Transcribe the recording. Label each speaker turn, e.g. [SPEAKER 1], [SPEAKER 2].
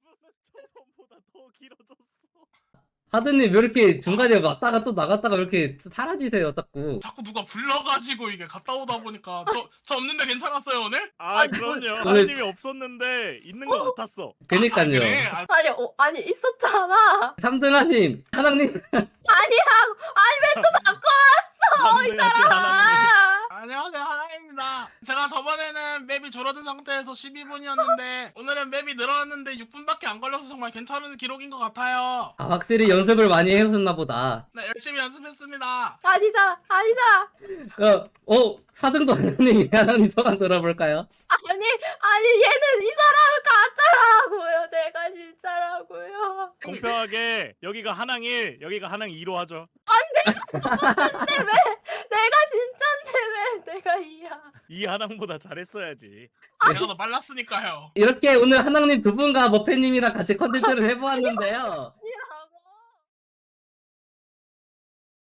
[SPEAKER 1] 저번보다 더 길어졌어.
[SPEAKER 2] 하드님 왜 이렇게 중간에 왔다가 또 나갔다가 왜 이렇게 사라지세요 자꾸.
[SPEAKER 3] 자꾸 누가 불러가지고 이게 갔다 오다 보니까 저 없는데 괜찮았어요 오늘?
[SPEAKER 1] 아
[SPEAKER 4] 아니,
[SPEAKER 1] 그럼요.
[SPEAKER 2] 오늘-
[SPEAKER 1] 하나님이 없었는데 있는 것 같았어.
[SPEAKER 2] 그니까요.
[SPEAKER 3] 그래?
[SPEAKER 4] 아니 있었잖아.
[SPEAKER 2] 3등하님 하나님
[SPEAKER 4] 아니라고. 아니 왜 또 바꿔?
[SPEAKER 1] 이 하나님.
[SPEAKER 4] 아.
[SPEAKER 3] 안녕하세요 하나입니다. 제가 저번에는 맵이 줄어든 상태에서 12분이었는데 오늘은 맵이 늘어났는데 6분밖에 안 걸려서 정말 괜찮은 기록인 것 같아요.
[SPEAKER 2] 아, 확실히 연습을 많이 해오셨나 보다.
[SPEAKER 3] 네 열심히 연습했습니다.
[SPEAKER 4] 아니잖아.
[SPEAKER 2] 4등도 하나님 소감 들어볼까요?
[SPEAKER 4] 아니 얘는 이 사람은 가짜라고요. 제가 진짜라고요.
[SPEAKER 1] 공평하게 여기가 한항 1, 여기가 한항 2로 하죠.
[SPEAKER 4] 내가 진짠데 왜 내가 이야?
[SPEAKER 1] 이 한항보다 잘했어야지.
[SPEAKER 3] 내가 더 빨랐으니까요.
[SPEAKER 2] 이렇게 오늘 하나님 두 분과 머페님이랑 같이 컨텐츠를 해보았는데요.